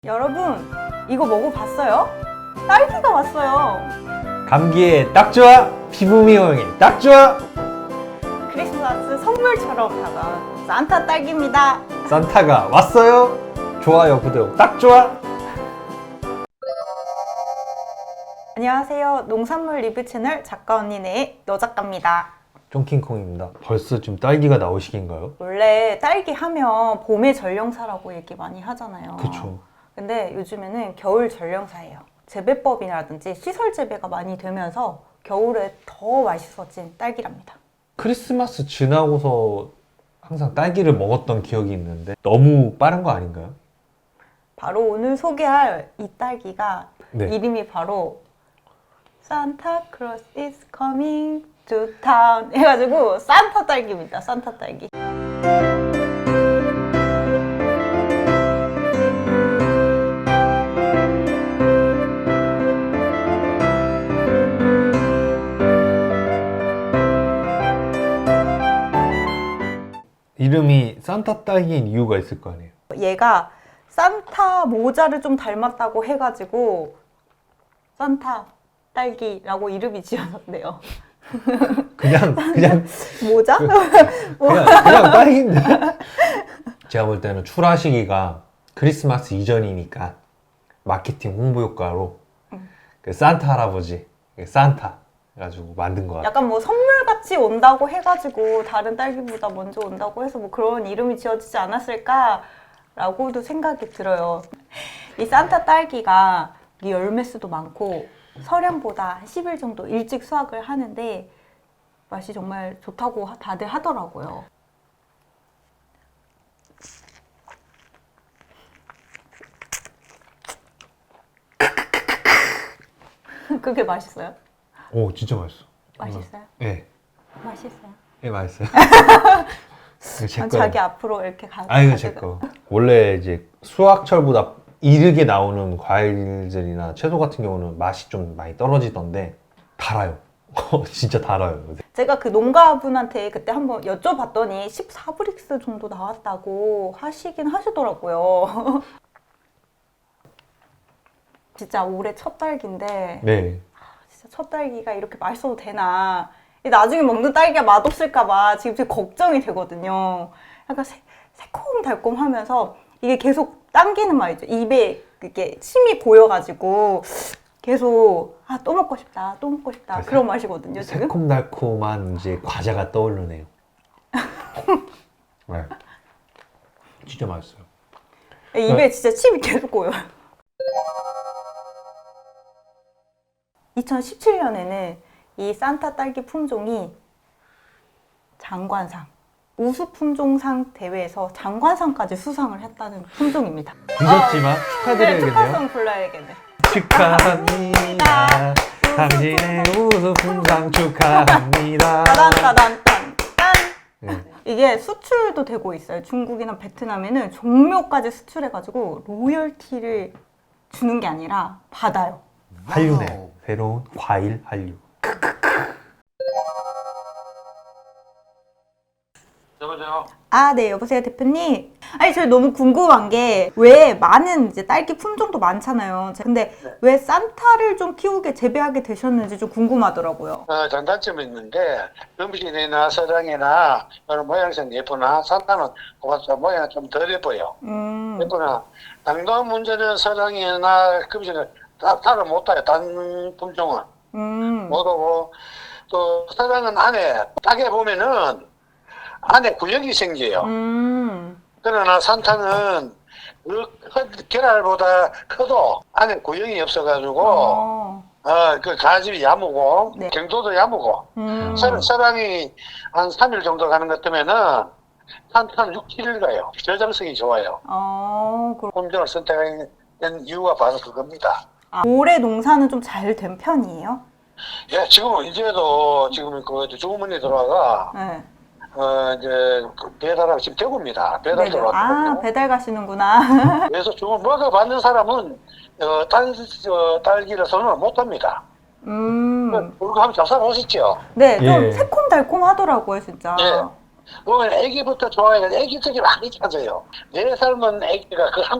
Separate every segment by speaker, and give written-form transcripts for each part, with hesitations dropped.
Speaker 1: 여러분, 이거 먹어봤어요? 딸기가 왔어요.
Speaker 2: 감기에 딱 좋아, 피부 미용에 딱 좋아.
Speaker 1: 크리스마스 선물처럼 다가온 산타 딸기입니다.
Speaker 2: 산타가 왔어요. 좋아요, 구독 딱 좋아.
Speaker 1: 안녕하세요. 농산물 리뷰 채널 작가 언니네의 여작가입니다.
Speaker 2: 쫑킹콩입니다. 벌써 좀 딸기가 나올 시기인가요?
Speaker 1: 원래 딸기 하면 봄의 전령사라고 얘기 많이 하잖아요.
Speaker 2: 그쵸.
Speaker 1: 근데 요즘에는 겨울 전령사예요. 재배법이라든지 시설 재배가 많이 되면서 겨울에 더 맛있어진 딸기랍니다.
Speaker 2: 크리스마스 지나고서 항상 딸기를 먹었던 기억이 있는데 너무 빠른 거 아닌가요?
Speaker 1: 바로 오늘 소개할 이 딸기가
Speaker 2: 네.
Speaker 1: 이름이 바로 Santa Claus is coming to town 해가지고 산타 딸기입니다. 산타 딸기.
Speaker 2: 이름이 산타 딸기인 이유가 있을 거 아니에요?
Speaker 1: 얘가 산타 모자를 좀 닮았다고 해가지고 산타 딸기라고 이름이 지어졌네요.
Speaker 2: 그냥
Speaker 1: 모자?
Speaker 2: 그냥 딸기인데. 제가 볼 때는 출하 시기가 크리스마스 이전이니까 마케팅 홍보 효과로 그 산타 할아버지, 산타 해가지고 만든 것 같아요.
Speaker 1: 약간 뭐 선물같이 온다고 해가지고 다른 딸기보다 먼저 온다고 해서 뭐 그런 이름이 지어지지 않았을까라고도 생각이 들어요. 이 산타 딸기가 이 열매 수도 많고 설향보다 한 10일 정도 일찍 수확을 하는데 맛이 정말 좋다고 다들 하더라고요. 그게 맛있어요?
Speaker 2: 오, 진짜 맛있어.
Speaker 1: 맛있어요?
Speaker 2: 네.
Speaker 1: 맛있어요.
Speaker 2: 네, 맛있어요. 이거 제
Speaker 1: 자기
Speaker 2: 거예요.
Speaker 1: 앞으로 이렇게
Speaker 2: 이거 제 거. 원래 이제 수확철보다 이르게 나오는 과일들이나 채소 같은 경우는 맛이 좀 많이 떨어지던데 달아요. 진짜 달아요.
Speaker 1: 제가 그 농가분한테 그때 한번 여쭤봤더니 14브릭스 정도 나왔다고 하시긴 하시더라고요. 진짜 올해 첫 딸기인데
Speaker 2: 네.
Speaker 1: 진짜 첫 딸기가 이렇게 맛있어도 되나. 나중에 먹는 딸기가 맛없을까봐 지금 걱정이 되거든요. 약간 새콤달콤하면서 이게 계속 당기는 맛이죠. 입에 이렇게 침이 고여가지고 계속 또 먹고 싶다, 또 먹고 싶다 그런 맛이거든요. 지금.
Speaker 2: 새콤달콤한 이제 과자가 떠오르네요. 네. 진짜 맛있어요.
Speaker 1: 입에 진짜 침이 계속 고여요. 2017년에는 이 산타 딸기 품종이 장관상, 우수 품종상 대회에서 장관상까지 수상을 했다는 품종입니다.
Speaker 2: 늦었지만
Speaker 1: 네,
Speaker 2: 축하드려야겠네요.
Speaker 1: 축하성 불러야겠네.
Speaker 2: 축하합니다. 당신의 우수품상 축하합니다.
Speaker 1: 따단따단딴.
Speaker 2: 네.
Speaker 1: 이게 수출도 되고 있어요. 중국이나 베트남에는 종묘까지 수출해가지고 로열티를 주는 게 아니라 받아요.
Speaker 2: 한류네. 새로운 과일 한류.
Speaker 3: 여보세요?
Speaker 1: 네, 여보세요, 대표님. 아니, 저 너무 궁금한 게, 왜 많은 이제 딸기 품종도 많잖아요. 근데
Speaker 3: 네.
Speaker 1: 왜 산타를 좀 키우게, 재배하게 되셨는지 좀 궁금하더라고요.
Speaker 3: 장단점이 있는데, 음식이나 서장이나 모양새는 예쁘나, 산타는 고맙다 모양이 좀 덜 예뻐요. 예쁘나, 당도한 문제는 서장이나 금식은 따로 못 타요. 단 품종은. 못 오고, 또 서장은 안에, 따게 보면은, 안에 구역이 생겨요. 그러나 산타는 계랄보다 커도 안에 구역이 없어가지고 그 가집이 야무고
Speaker 1: 네.
Speaker 3: 경도도 야무고 서랑이 한 3일 정도 가는 것 때문에는 산타는 6, 7일 가요. 저장성이 좋아요. 품종을 선택한 이유가 바로 그겁니다.
Speaker 1: 올해 농사는 좀 잘 된 편이에요?
Speaker 3: 예, 지금은 이제도 지금 그 주문이 들어와가
Speaker 1: 네.
Speaker 3: 이제 배달하고 지금 대구입니다. 배달 들어왔거든요.
Speaker 1: 배달 가시는구나.
Speaker 3: 그래서 주문 먹어받는 사람은 딸기를 선호를 못합니다. 그거 하면 잘 살아오셨죠?
Speaker 1: 네, 좀
Speaker 2: 예.
Speaker 1: 새콤달콤 하더라고요, 진짜.
Speaker 3: 예. 그러면 애기부터 좋아해요. 애기들이 많이 찾아요. 4살만 애기가 그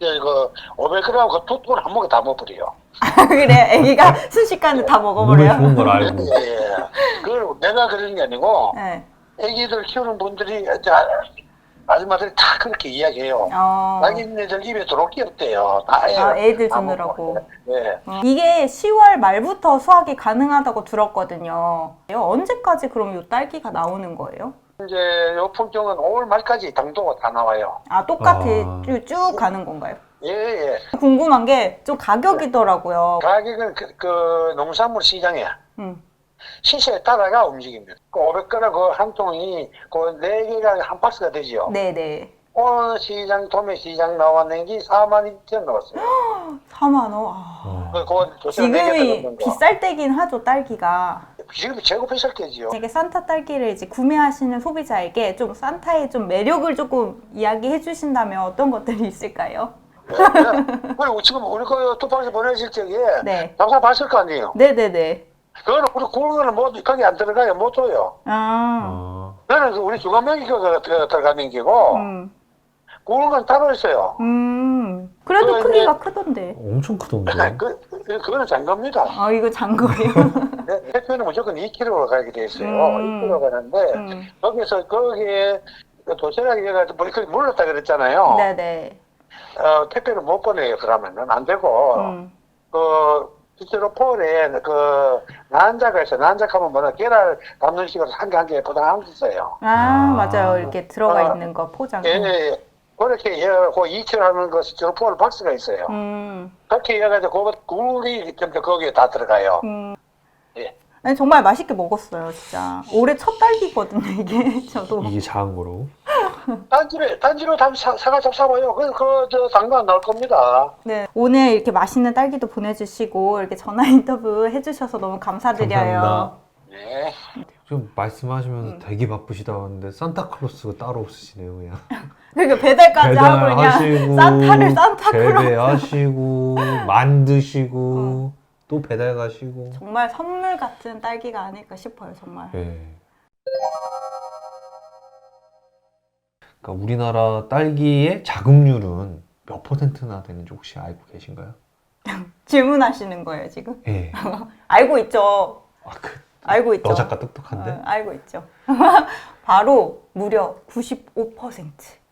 Speaker 3: 500g 그 두 통을 한 목에 다 먹어버려요.
Speaker 1: 그래, 애기가 순식간에 다
Speaker 2: 몸에
Speaker 1: 먹어버려요.
Speaker 2: 좋은 걸 알고.
Speaker 3: 예. 그걸 내가 그러는 게 아니고,
Speaker 1: 네.
Speaker 3: 애기들 키우는 분들이, 아줌마들이 다 그렇게 이야기해요. 자기네들 입에 들어올 게 없대요. 다
Speaker 1: 애들
Speaker 3: 다
Speaker 1: 주느라고.
Speaker 3: 먹고. 네.
Speaker 1: 이게 10월 말부터 수확이 가능하다고 들었거든요. 언제까지 그럼 이 딸기가 나오는 거예요?
Speaker 3: 이제 요 품종은 5월 말까지 당도가 다 나와요.
Speaker 1: 똑같이 쭉 가는 건가요?
Speaker 3: 예, 예.
Speaker 1: 궁금한 게 좀 가격이더라고요.
Speaker 3: 가격은 그 농산물 시장에 시세에 따라가 움직입니다. 그 500g 그 한 통이 그 4개가 한 박스가 되지요.
Speaker 1: 네네.
Speaker 3: 오늘 시장, 도매 시장 나왔는 게 42,000원 나왔어요.
Speaker 1: 4만 원.
Speaker 3: 그
Speaker 1: 지금이 비쌀 때긴 하죠, 딸기가.
Speaker 3: 지금 최고 비쌀 때지요.
Speaker 1: 이게 산타 딸기를 이제 구매하시는 소비자에게 좀 산타의 좀 매력을 조금 이야기해 주신다면 어떤 것들이 있을까요?
Speaker 3: 그리고 지금 우리 그 투팍에서 보내실 적에
Speaker 1: 네.
Speaker 3: 장사 봤을 거 아니에요.
Speaker 1: 네네네.
Speaker 3: 그거는 우리 구운 거는 뭐 거기 안 들어가요. 못 줘요. 그거는 그 우리 중간명기가 들어가는 게고 구운 건 따로 있어요.
Speaker 1: 그래도
Speaker 3: 그거
Speaker 1: 크기가
Speaker 3: 이제-
Speaker 1: 크던데.
Speaker 2: 엄청 크던데.
Speaker 3: 그거는 잔겁니다.
Speaker 1: 이거 잔 거예요?
Speaker 3: 대표는 무조건 2kg로 가게 돼 있어요. 2kg 가는데 거기에 도시락에 해가지고 그렇게 물렀다 그랬잖아요.
Speaker 1: 네네.
Speaker 3: 택배를 못 보내요. 그러면은 안 되고 실제로 폴에 난자가 있어요. 난자하면 뭐냐 계란 담는 식으로 한 개 한 개 포장한 게 있어요.
Speaker 1: 맞아요. 이렇게 들어가 있는 거 포장.
Speaker 3: 예. 그렇게 그 2kg 하는 거 실제로 폴 박스가 있어요. 그렇게 해가지고 굴이 좀 거기에 다 들어가요. 예.
Speaker 1: 아니, 정말 맛있게 먹었어요, 진짜. 올해 첫 딸기거든요, 이게. 저도.
Speaker 2: 이게 작은 거로.
Speaker 3: 단지로 사가지고 사봐요. 저 당도 안 나올 겁니다.
Speaker 1: 네. 오늘 이렇게 맛있는 딸기도 보내주시고, 이렇게 전화 인터뷰 해주셔서 너무 감사드려요.
Speaker 2: 감사합니다.
Speaker 3: 네.
Speaker 2: 좀 말씀하시면서 되게 바쁘시다는데 산타클로스가 따로 없으시네요, 그냥.
Speaker 1: 그러니까 배달까지 하고 그냥 산타를 산타클로스.
Speaker 2: 재배하시고 만드시고 또 배달 가시고.
Speaker 1: 정말 선물 같은 딸기가 아닐까 싶어요, 정말.
Speaker 2: 네. 그러니까 우리나라 딸기의 자급률은 몇 퍼센트나 되는지 혹시 알고 계신가요?
Speaker 1: 질문하시는 거예요, 지금?
Speaker 2: 예.
Speaker 1: 알고 있죠. 알고 있죠.
Speaker 2: 너 작가 똑똑한데?
Speaker 1: 알고 있죠. 바로 무려 95%.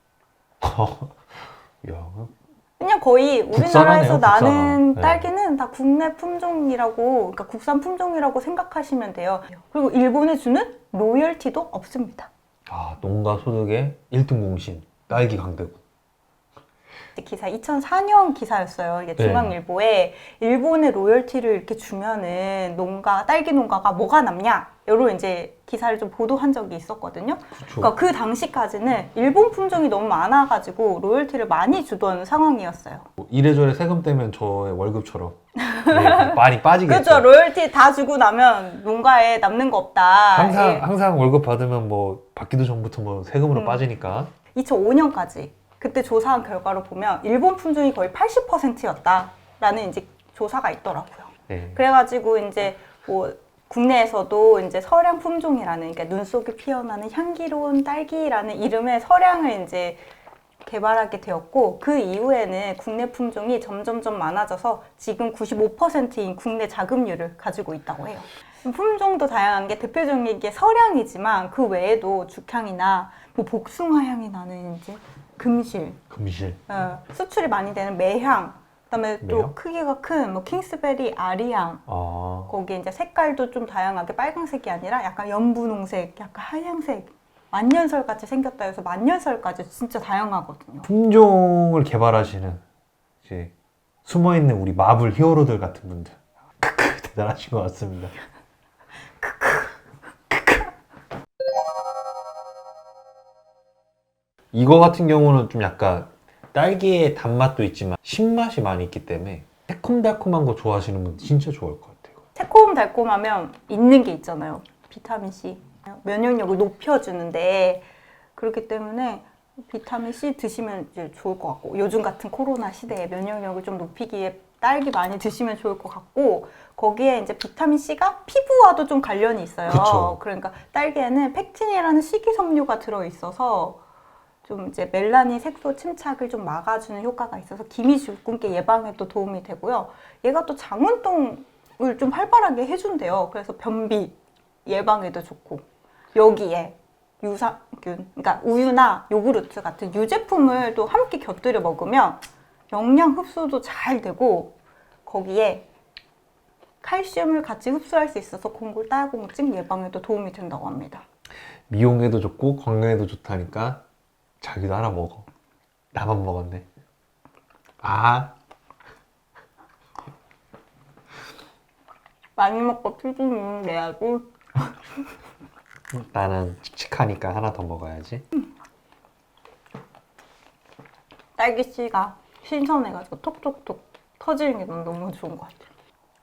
Speaker 2: 야,
Speaker 1: 그냥 거의
Speaker 2: 국산하네요,
Speaker 1: 우리나라에서 나는
Speaker 2: 국산.
Speaker 1: 딸기는 다 국내 품종이라고, 그러니까 국산 품종이라고 생각하시면 돼요. 그리고 일본에 주는 로열티도 없습니다.
Speaker 2: 농가 소득의 1등 공신 딸기 강대국.
Speaker 1: 기사 2004년 기사였어요. 이게 중앙일보에 일본의 로열티를 이렇게 주면은 딸기 농가가 뭐가 남냐? 이런 이제 기사를 좀 보도한 적이 있었거든요. 그러니까 그 당시까지는 일본 품종이 너무 많아가지고 로열티를 많이 주던 상황이었어요.
Speaker 2: 이래저래 세금 떼면 저의 월급처럼 많이 빠지겠죠.
Speaker 1: 그렇죠. 로열티 다 주고 나면 농가에 남는 거 없다.
Speaker 2: 항상 월급 받으면 뭐 받기도 전부터 뭐 세금으로 빠지니까.
Speaker 1: 2005년까지 그때 조사한 결과로 보면 일본 품종이 거의 80%였다라는 이제 조사가 있더라고요.
Speaker 2: 네.
Speaker 1: 그래가지고 이제 뭐 국내에서도 이제 서량 품종이라는, 그러니까 눈 속에 피어나는 향기로운 딸기라는 이름의 서량을 이제 개발하게 되었고, 그 이후에는 국내 품종이 점점점 많아져서 지금 95%인 국내 자급률을 가지고 있다고 해요. 품종도 다양한 게 대표적인 게 서량이지만 그 외에도 죽향이나 뭐 복숭아 향이 나는 이제 금실. 수출이 많이 되는 매향. 그다음에 또
Speaker 2: 매향?
Speaker 1: 크기가 큰 뭐 킹스베리 아리향. 거기 이제 색깔도 좀 다양하게 빨강색이 아니라 약간 연분홍색, 약간 하얀색, 만년설 같이 생겼다 해서 만년설까지 진짜 다양하거든요.
Speaker 2: 품종을 개발하시는 이제 숨어있는 우리 마블 히어로들 같은 분들 대단하신 것 같습니다. 이거 같은 경우는 좀 약간 딸기의 단맛도 있지만 신맛이 많이 있기 때문에 새콤달콤한 거 좋아하시는 분 진짜 좋아할 것 같아요.
Speaker 1: 새콤달콤하면 있는 게 있잖아요. 비타민C. 면역력을 높여주는데, 그렇기 때문에 비타민 C 드시면 이제 좋을 것 같고 요즘 같은 코로나 시대에 면역력을 좀 높이기에 딸기 많이 드시면 좋을 것 같고 거기에 이제 비타민 C가 피부와도 좀 관련이 있어요.
Speaker 2: 그쵸.
Speaker 1: 그러니까 딸기에는 펙틴이라는 식이섬유가 들어 있어서 좀 이제 멜라닌 색소 침착을 좀 막아주는 효과가 있어서 기미 주근깨 예방에도 도움이 되고요. 얘가 또 장운동을 좀 활발하게 해준대요. 그래서 변비 예방에도 좋고 여기에 유산균, 그러니까 우유나 요구르트 같은 유제품을 또 함께 곁들여 먹으면 영양 흡수도 잘 되고 거기에 칼슘을 같이 흡수할 수 있어서 콩골 딸공증 예방에도 도움이 된다고 합니다.
Speaker 2: 미용에도 좋고 건강에도 좋다니까 자기도 하나 먹어. 나만 먹었네. 아,
Speaker 1: 많이 먹고 피부는 내야지.
Speaker 2: 나는 칙칙하니까 하나 더 먹어야지.
Speaker 1: 딸기씨가 신선해가지고 톡톡톡 터지는 게 너무 좋은 것 같아요.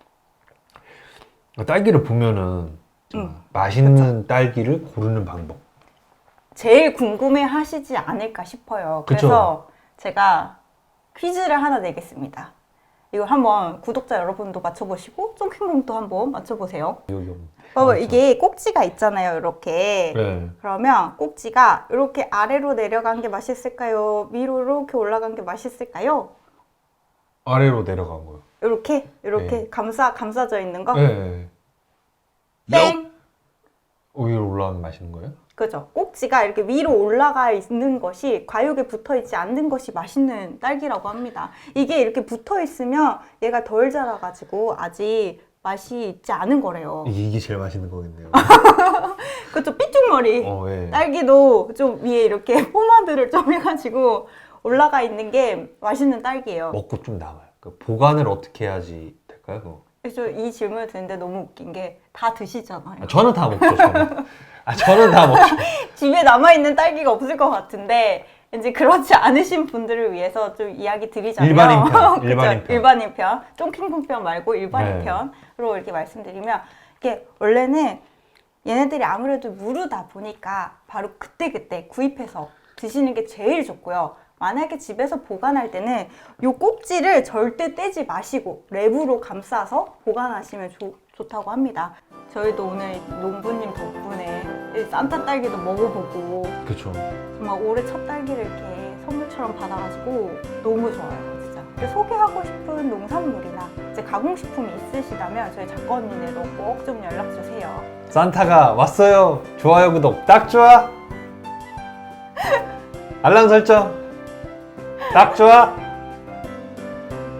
Speaker 2: 딸기를 보면은 맛있는 딸기를 고르는 방법.
Speaker 1: 제일 궁금해 하시지 않을까 싶어요.
Speaker 2: 그쵸.
Speaker 1: 그래서 제가 퀴즈를 하나 내겠습니다. 이거 한번 구독자 여러분도 맞춰보시고 쫑킹공도 한번 맞춰보세요.
Speaker 2: 여기
Speaker 1: 이게 꼭지가 있잖아요, 이렇게.
Speaker 2: 네.
Speaker 1: 그러면 꼭지가 이렇게 아래로 내려간 게 맛있을까요? 위로 이렇게 올라간 게 맛있을까요?
Speaker 2: 아래로 내려간 거요.
Speaker 1: 이렇게
Speaker 2: 네.
Speaker 1: 감싸져 있는 거?
Speaker 2: 네.
Speaker 1: 땡!
Speaker 2: 위로 올라가면 맛있는 거예요?
Speaker 1: 그죠. 꼭지가 이렇게 위로 올라가 있는 것이 과육에 붙어 있지 않는 것이 맛있는 딸기라고 합니다. 이게 이렇게 붙어 있으면 얘가 덜 자라가지고 아직 맛이 있지 않은 거래요.
Speaker 2: 이게 제일 맛있는 거겠네요.
Speaker 1: 그쵸. 삐죽머리.
Speaker 2: 예.
Speaker 1: 딸기도 좀 위에 이렇게 포마드를 좀 해가지고 올라가 있는 게 맛있는 딸기예요.
Speaker 2: 먹고 좀 남아요. 그 보관을 어떻게 해야지 될까요? 그거?
Speaker 1: 그래서 이 질문을 듣는데 너무 웃긴 게 다 드시잖아요.
Speaker 2: 아, 저는 다 먹죠. 저는 다 먹죠.
Speaker 1: 집에 남아있는 딸기가 없을 것 같은데 이제 그렇지 않으신 분들을 위해서 좀 이야기 드리자면
Speaker 2: 일반인 편,
Speaker 1: 그쵸?
Speaker 2: 일반인 편.
Speaker 1: 일반인 편, 쫑킹콩 편 말고 일반인
Speaker 2: 네.
Speaker 1: 편으로 이렇게 말씀드리면 이게 원래는 얘네들이 아무래도 무르다 보니까 바로 그때그때 구입해서 드시는 게 제일 좋고요. 만약에 집에서 보관할 때는 이 꼭지를 절대 떼지 마시고 랩으로 감싸서 보관하시면 좋다고 합니다. 저희도 오늘 농부님 덕분에 이 산타 딸기도 먹어보고
Speaker 2: 그렇죠.
Speaker 1: 정말 올해 첫 딸기를 이렇게 선물처럼 받아가지고 너무 좋아요, 진짜. 소개하고 싶은 농산물이나 이제 가공식품이 있으시다면 저희 작가언니네로 꼭 좀 연락 주세요.
Speaker 2: 산타가 왔어요. 좋아요, 구독 딱 좋아. 알람 설정 딱 좋아.